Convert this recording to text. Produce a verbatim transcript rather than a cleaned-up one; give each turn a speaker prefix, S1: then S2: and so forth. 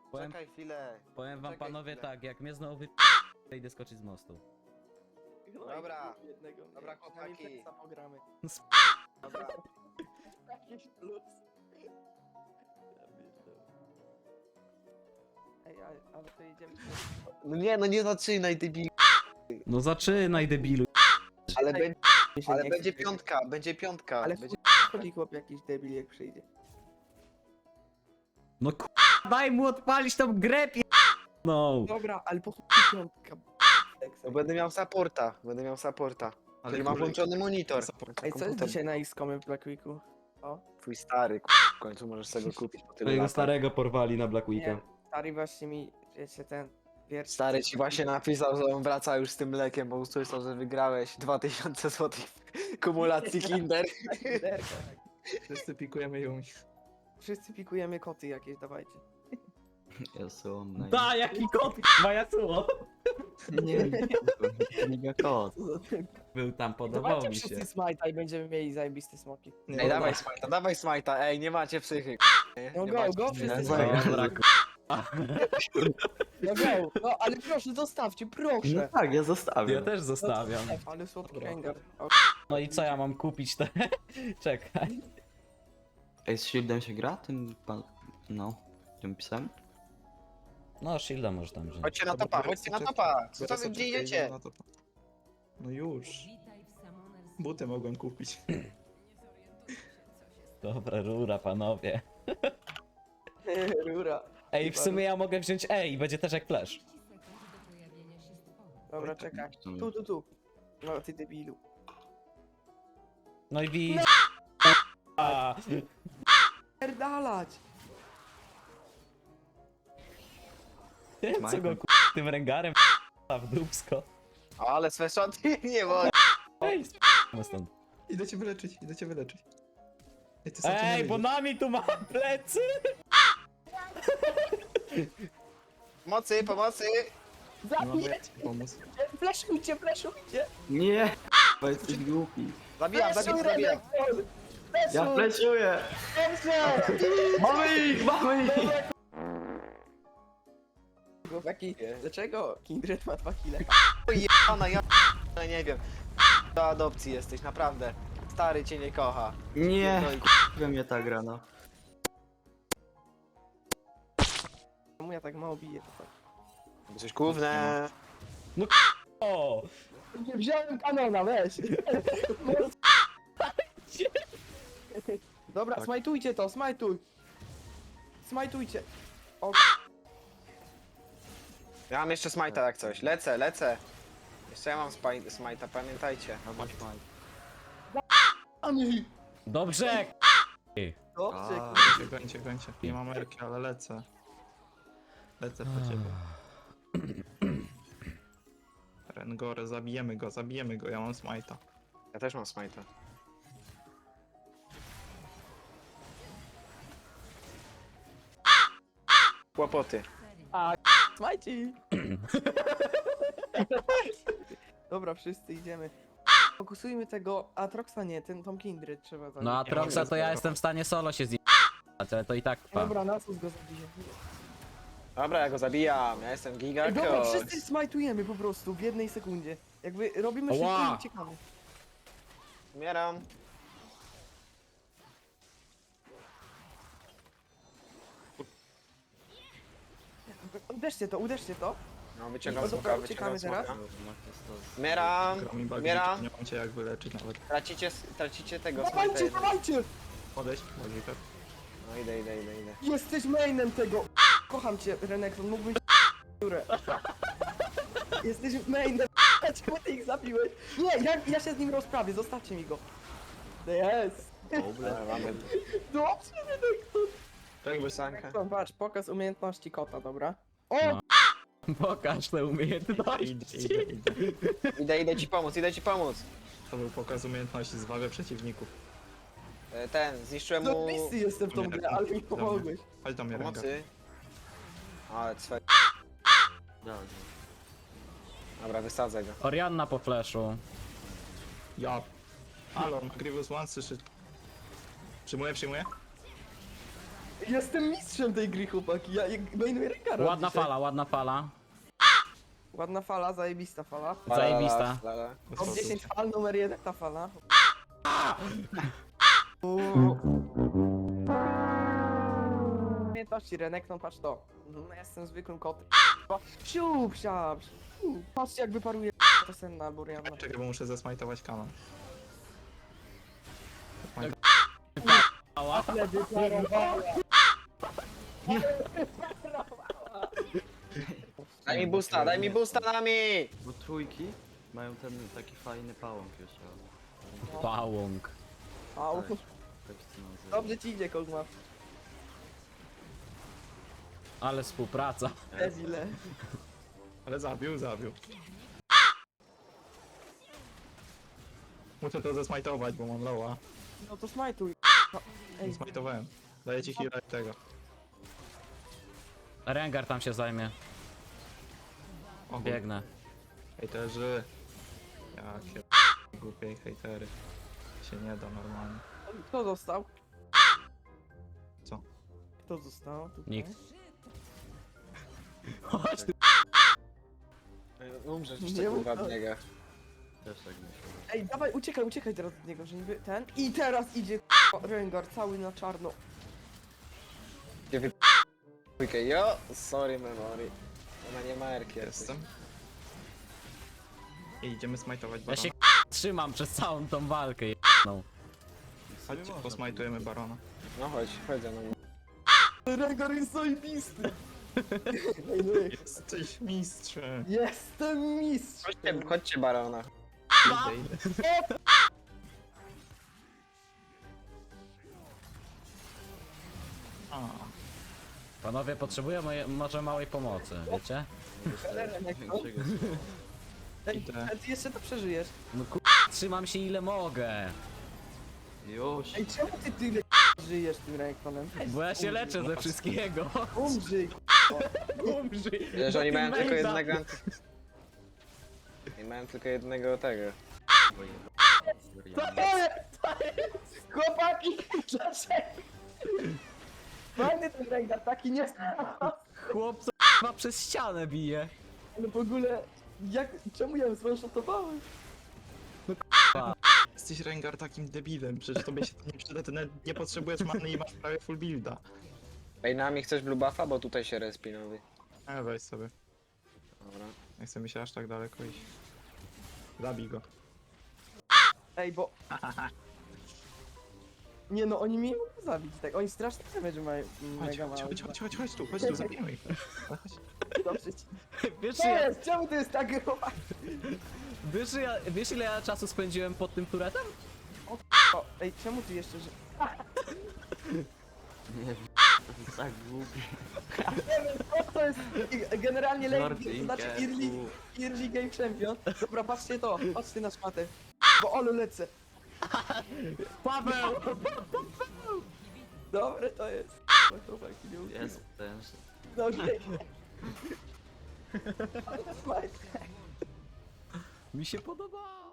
S1: Powiem,
S2: Czekaj chwilę.
S1: powiem wam
S2: czekaj
S1: panowie
S2: chwilę.
S1: tak, jak mnie znowu wy... idę skoczyć z mostu.
S2: Dobra,
S3: Jednego,
S2: dobra,
S3: nie, przynajmniej
S2: chłopaki.
S3: Teksa pogramy.
S2: Dobra.
S3: Jakiś plus. Ja pierdolę. Ej, a, ale to jedziemy.
S2: No nie, no nie zaczynaj, debil.
S1: No zaczynaj debilu.
S2: Ale,
S3: Ej,
S2: będzie,
S3: Mi się
S2: ale
S3: nie
S2: będzie
S3: chce.
S2: piątka, będzie piątka.
S3: Ale
S2: będzie...
S3: chodzi chłop jakiś debil jak przyjdzie.
S1: No k... daj mu odpalić tą grę pi... No.
S3: Dobra, ale po chuj piątka. Teksa.
S2: No będę miał supporta, będę miał supporta.
S4: Ale
S2: Który ma
S4: kurde,
S2: włączony monitor.
S4: support.
S3: Ej, co jest dzisiaj na X-komie w Black Weeku? O,
S2: Twój stary, k***, w końcu możesz sobie go kupić po tylu
S1: Twojego
S2: latach.
S1: starego porwali na Black
S3: nie,
S1: Weeka.
S3: stary właśnie mi, wiecie, ten wiersz.
S2: Stary ci właśnie napisał, że on wraca już z tym mlekiem, bo usłyszał, że wygrałeś dwa tysiące złotych kumulacji Kinder.
S3: Derka, tak.
S4: Wszyscy pikujemy ją.
S3: Wszyscy pikujemy koty jakieś, dawajcie.
S5: Yasuo naj...
S1: Da, jaki kot, Yasuo.
S5: Nie, Liga kot.
S3: Co za ten-
S1: Był tam, podobał
S3: Dawajcie
S1: mi się.
S3: wszyscy smite'a i będziemy mieli zajebiste smoki.
S4: Nie,
S2: Ej,
S4: no
S2: dawaj
S4: tak.
S2: smajta, dawaj smajta, ej, nie macie psychy. Nie,
S3: No
S2: nie
S3: go,
S2: macie.
S3: go, wszyscy
S5: Nie,
S3: smite.
S1: Dobra, k...
S3: No go, no ale proszę, zostawcie,
S5: No
S3: proszę.
S5: tak, ja zostawię.
S1: ja też zostawiam.
S3: Ale słodki Rengar. O,
S1: No i co ja mam kupić te... Czekaj.
S5: Ej, z Shieldem się gra? Tym pan... No, tym psem?
S1: No, shielda może tam wziąć.
S2: Chodźcie na topa, chodźcie na topa. Co wy gdzie idziecie?
S4: Na topa. No już. Buty mogłem kupić.
S1: Dobra, rura, panowie.
S3: Rura.
S1: Ej, w sumie ja mogę wziąć E i będzie też jak flash.
S3: Dobra, czekaj. Tu, tu, tu. No ty debilu.
S1: No i widz... A,
S3: Pierdalać!
S1: co go k... tym rengarem w dupsko.
S2: Ale sweszoty nie wolno.
S1: Ej, sp***my stąd.
S4: Idę cię wyleczyć, idę cię wyleczyć. Ej, ty sam
S1: Ej,
S4: nie
S1: bo
S4: wyjdziesz.
S1: nami tu ma plecy!
S2: Pomocy, pomocy.
S4: No, bo ja ci pomóc.
S3: Flashujcie, flashujcie!
S5: Nie! Bo jesteś głupi.
S2: Zabijam, zabijam, zabijam.
S5: Ja fleszuję! Mamy ich, mamy ich!
S3: Jaki, dlaczego Kindred ma dwa kile?
S2: Jebana, ja p- nie wiem. Do adopcji jesteś, naprawdę. Stary cię nie kocha.
S5: Nie!
S2: No i
S5: We mnie ta gra, no.
S3: Czemu ja tak mało biję to tak?
S2: Coś główne.
S1: O!
S3: Nie wziąłem kanona, weź! Dobra,
S4: Tak.
S3: smajtujcie to, smajtuj! Smajtujcie! O,
S2: Ja mam jeszcze smajta jak coś. Lecę, lecę. Jeszcze ja mam spaj- smajta, pamiętajcie.
S5: No bądź maj.
S3: Ani!
S1: Dobrze!
S3: Dobrze,
S5: A.
S4: Gońcie, gońcie, gońcie. Nie mam erki, ale lecę. Lecę po ciebie. Rengore, zabijemy go, zabijemy go, ja mam smite'a.
S2: Ja też mam smajta. Kłopoty.
S3: smajci! Dobra, wszyscy idziemy. Fokusujmy tego Atroxa, nie, ten tą Kindred trzeba zabić.
S1: No a Troxa to ja jestem w stanie solo się zje... ale to i tak pa.
S3: Dobra, Nasus go zabije.
S2: Dobra, ja go zabijam. Ja jestem
S3: Ej,
S2: Giga
S3: dobra,
S2: Coach.
S3: wszyscy smajtujemy po prostu w jednej sekundzie. Jakby robimy szybko
S1: Ła!
S3: i uciekamy.
S2: Umieram.
S3: Uderzcie to, uderzcie to.
S2: No, wyciągam
S3: No dobra,
S2: smoka, wyciągam
S3: uciekamy teraz.
S2: smoka. Umieram.
S4: Gra mi bagi,
S2: Umieram.
S4: nie mam cię jak wyleczyć nawet.
S2: Tracicie, tracicie tego smajta.
S3: Dawajcie,
S2: jednego.
S3: dawajcie!
S4: Podejść, Magiker.
S2: No idę, idę, idę, idę.
S3: Jesteś mainem tego! Kocham cię, Renekton, mógłbyś dziurę. Jesteś mainem, czemu ty ich zabiłeś? Nie, ja, ja się z nim rozprawię, zostawcie mi go. Jest!
S2: Dobra, mamy.
S3: Dobrze, Renekton!
S4: Tak, bo
S2: Sanka.
S3: Renekton, patrz, pokaz umiejętności kota, dobra? O!
S1: No. Pokaż te umiejętności.
S4: idę, idę, idę.
S2: Idę, idę ci pomóc, idę ci pomóc.
S4: To był pokaz umiejętności, zwaga przeciwników.
S2: E, Ten, zniszczyłem
S3: No
S2: mu
S3: misy jestem w tą grę, ale mi pomogłeś.
S4: Chodź do mnie, Rengar.
S2: pomocy. Ale cwe...
S5: Dobrze.
S2: Dobra, wysadzę go.
S1: Orianna po flashu.
S4: Ja. Halo, Grievous One słyszy. Przyjmuję, przyjmuję.
S3: Jestem mistrzem tej gry, chłopaki. Ja ja mainuję Renkara.
S1: Ładna
S3: dzisiaj.
S1: fala, ładna fala.
S3: Ładna fala, zajebista fala.
S1: Zajebista.
S2: La, la, la.
S3: Top dziesięć fal, numer jeden ta fala. Pamiętacie, Renekton, patrz to. Mhm, ja jestem zwykłym kotem. Siup, siap. siup. Patrzcie jak wyparuje to senna albo Rihanna.
S4: Czekaj, bo muszę zesmajtować kanon.
S1: Ała.
S3: Ale wyparowała.
S2: Daj mi boosta, daj mi boosta nami!
S5: Bo trójki mają ten taki fajny pałąk jeszcze.
S1: Pałąk.
S3: Au.
S5: Tak, tak się to nazywa.
S3: Dobrze ci idzie, Kogma.
S1: Ale współpraca.
S3: Debile.
S4: Ale zabił, zabił. Muszę to zesmajtować, bo mam loła.
S3: No to smajtuj. No, ej,
S4: Zesmajtowałem. Daję ci heal'a i tego.
S1: Rengar tam się zajmie.
S4: O, kur-
S1: Biegnę.
S4: Hejterzy. Jakie głupie hejtery. Się nie da normalnie.
S3: kto został?
S4: Co?
S3: Kto został? Tutaj?
S1: Nikt. Chodź ty.
S2: Umrzesz
S3: Nie
S2: jeszcze kurwa
S3: mów-
S2: w niego.
S5: Też tak myślę.
S3: Ej, dawaj, uciekaj, uciekaj teraz od niego, że niby ten. I teraz idzie k***a, Rengar cały na czarno.
S2: Gdzie wy... Dwójkę, jo! Sorry memory. Ona nie ma erki.
S4: Jestem. I idziemy smajtować
S1: Ja
S4: barona.
S1: się trzymam przez całą tą walkę. No.
S4: Chodźcie, posmajtujemy barona.
S2: No chodź, chodź za mną.
S3: Rengar jest zajebisty. Ej, no jak-
S4: Jesteś mistrzem.
S3: Jestem mistrz.
S2: Chodźcie, chodźcie barona.
S4: Idę, idę. A,
S1: Panowie potrzebują moje, może małej pomocy, wiecie?
S3: Renekton.
S5: Czego
S3: Ej,
S4: Idę.
S3: a ty jeszcze to przeżyjesz.
S1: No ku... trzymam się ile mogę.
S5: Już!
S3: Ej, czemu ty tyle k***a, żyjesz tym Renektonem?
S1: Bo ja się leczę ze wszystkiego.
S3: Umrzyj.
S1: Umrzyj.
S2: Wiesz, oni mają tylko
S1: Teammate'a.
S2: jednego... anty- Nie mają tylko jednego tego.
S3: To jest, to jest. Chłopaki, dlaczego? Fajny ten Rengar, taki nie
S1: Chłopco chyba przez ścianę bije.
S3: ale w ogóle, jak, czemu ja ją zwanshotowałem?
S4: jesteś Rengar takim debilem, przecież tobie się to nie przyda, ty nawet nie potrzebujesz many i masz prawie full builda.
S2: Ej, nami chcesz blue buffa? Bo tutaj się respi nowy.
S4: E, weź sobie.
S2: Dobra.
S4: Nie chcę mi się aż tak daleko iść. Zabij go.
S3: Ej, bo... Nie no, oni mnie nie mogą zabić, tak, oni strasznie damage mają,
S4: Chodź,
S3: mega
S4: chodź,
S3: mało.
S4: chodź, chodź, chodź, chodź tu, chodź tu, zabijmy ich. Chodź.
S3: Dobrze ci.
S1: Wiesz,
S3: Co
S1: ja,
S3: jest? Czemu to jest tak chłopak?
S1: wiesz, ja, wiesz ile ja czasu spędziłem pod tym turetem?
S3: O, ej, czemu ty jeszcze, że...
S5: Nie wiem, to jest tak głupie.
S3: O, to jest i- generalnie late, to
S5: Martinka,
S3: znaczy early,
S5: u.
S3: early game champion. Dobra, patrzcie to, patrzcie na szmatę. Bo olu lecę.
S1: Paweł!
S3: Dobre to jest. No, chłopaki, nie ukrywam.
S5: Jest ten.
S3: No okej. Ale smajt.
S1: Mi się podoba.